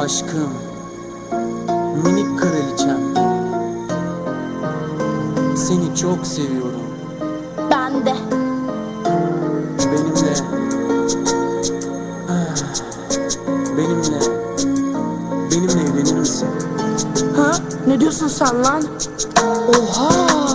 Aşkım, minik kraliçem, seni çok seviyorum. Ben de. Benimle, benimle, benimle evlenir misin? Ha? Ne diyorsun sen lan? Oha!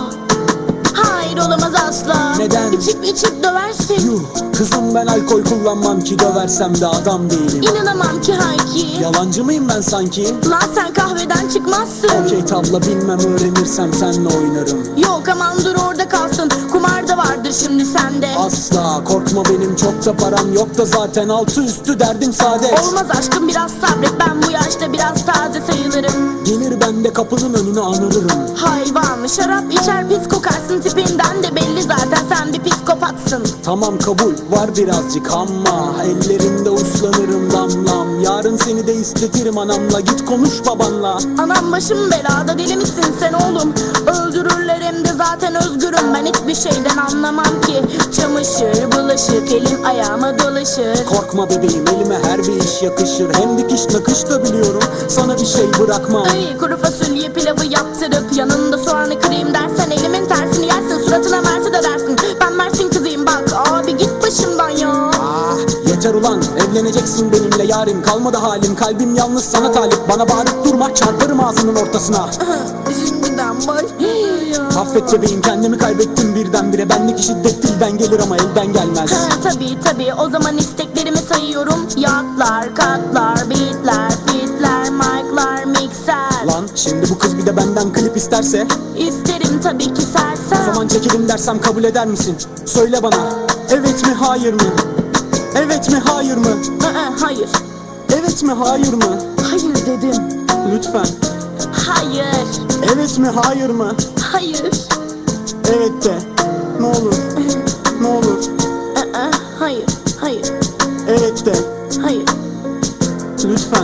Hayır, olamaz asla. Neden? İçip döversin. Yuh, kızım ben alkol kullanmam ki, döversem de adam değilim. İnanamam ki Hayki. Yalancı mıyım ben sanki? Lan sen kahveden çıkmazsın. Okey tabla bilmem, öğrenirsem senle oynarım. Yok aman dur orada kalsın. Kumar da vardır şimdi sende. Asla korkma, benim çok da param yok da zaten altı üstü derdim saadet. Olmaz aşkım, biraz sabret, ben bu yaşta biraz taze sayılırım. Gelir ben de kapının önüne anırırım. Hayvan, şarap içer pis kokarsın, tipinden de belli zaten sen bir psikopatsın. Tamam kabul var birazcık ama ellerinde uslanırım damlam. Yarın seni de istetirim anamla, git konuş babanla. Anam başım belada, deli misin sen oğlum? Öldürürler hem de zaten özgürüm. Ben hiçbir şeyden anlamam ki. Çamaşır, bulaşık, elim ayağıma dolaşır. Korkma bebeğim, elime her bir iş yakışır. Hem dikiş nakış da biliyorum, sana bir şey bırakmam. Ay, kuru fasulye pilavı yaptırıp yanında soğanı kırayım dersen elimin tersini yersin, suratına Mersi de dersin. Ben Mersin kızıyım bak abi, git başımdan ya. Yeter ulan, evleneceksin benimle yarim. Kalmadı halim, kalbim yalnız sana talip. Bana bağırıp durma, çarparım ağzının ortasına. Şimdiden başlıyor ya. Affet bebeğim, kendimi kaybettim birdenbire. Benlik şiddet dilden gelir ama elden gelmez. Tabii o zaman isteklerimi sayıyorum. Yatlar, katlar, beatler, fitler, mic'lar, mikser. Lan şimdi bu kız bir de benden klip isterse? İsterim tabii ki sersem. O zaman çekelim dersem kabul eder misin? Söyle bana, evet mi hayır mı? Evet mi hayır mı? Hayır. Evet mi hayır mı? Hayır dedim. Lütfen. Hayır. Evet mi hayır mı? Hayır. Evet de. Ne olur. Ne olur. Hayır. Hayır. Evet de. Hayır. Lütfen.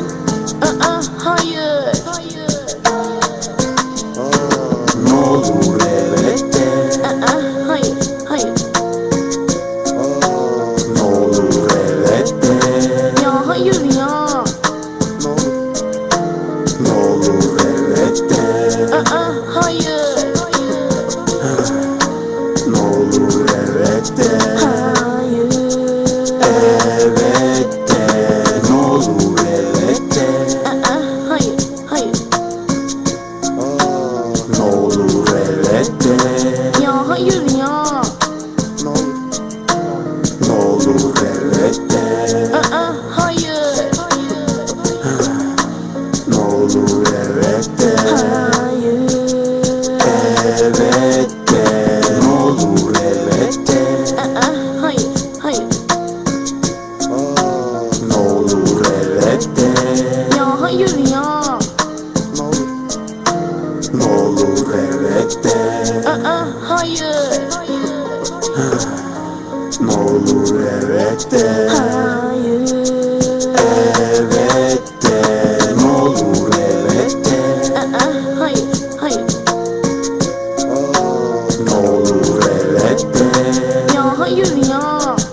Hayır. Hayır. Ne olur evet de. Hayır. Hayır. Ne olur evet de. Ya hayır ya. Ne olur evet de. Hayır. Ne olur evet de. Hayır. Evet de. Ne olur evet de. Hayır. Hayır. Ne olur evet de. Ya hayır ya. Ne olur evet de. Hayır. Ne olur evet de. Hayır. Evet de. Ne olur evet de. Hayır. Hayır. Ne olur evet de. Ya hayır ya. Ne olur evet de. Hayır. Ne olur evet de. Hayır. Evet de. Ne olur evet de. Hayır. Hayır. Ne olur evet de. Ya hayır ya.